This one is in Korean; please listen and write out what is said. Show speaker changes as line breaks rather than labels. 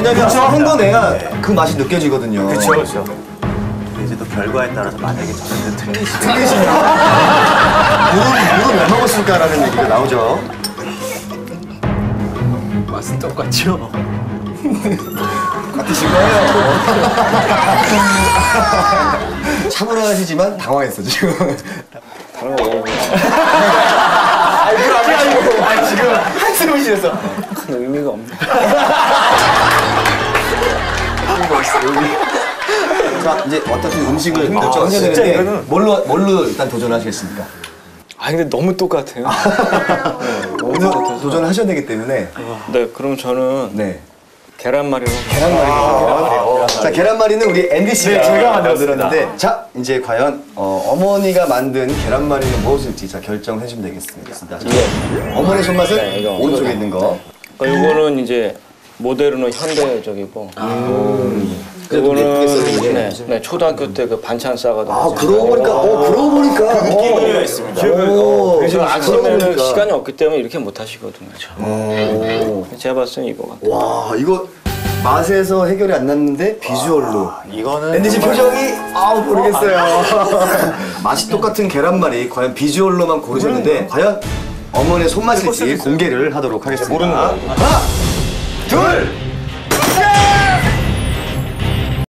왜냐면 한 거 내야 그 맛이 느껴지거든요.
그렇죠, 그렇죠.
이제 또 결과에 따라서 만약에 저는 틀리시면
물은 왜 먹었을까라는 얘기가 나오죠.
맛은 똑같죠.
같으신 거예요. 차분하시지만 당황했어 지금.
다른 거 먹어보면
지금 한숨을 쉬었어.
큰 의미가 없네.
자 이제 어떻게 음식을 결정하셔야
진짜
되는데
이거는-
뭘로 일단 도전하시겠습니까?
아 근데 너무 똑같아요.
오늘 도전하셔야 되기 때문에
네, 그럼 저는
네.
계란말이로.
자 계란말이는 우리 앤디 씨가
네, 제가 만들었습니다.
만들었는데 자 이제 과연 어머니가 만든 계란말이는 무엇일지 자 결정해 주시면 되겠습니다. 자, 어머니 손맛은
네, 이거.
오른쪽에 있는 거.
그러니까 이거는 이제 모델은 현대적이고.
그래도 예쁘게 써주는 게.
네, 초등학교 때 그 반찬 싸가지고.
아 그러고 보니까
의미가 있습니다.
그래서 아침에는
보니까.
시간이 없기 때문에 이렇게 못 하시거든요. 제가 봤을 때는 이거 같아요.
와 이거 맛에서 해결이 안 났는데 비주얼로.
이거는
앤디 씨
정말-
표정이 모르겠어요. 맛이 똑같은 계란말이 과연 비주얼로만 고르셨는데 과연 어머니의 손맛일지 공개를 하도록 하겠습니다.
모르는 거야.
하나, 둘,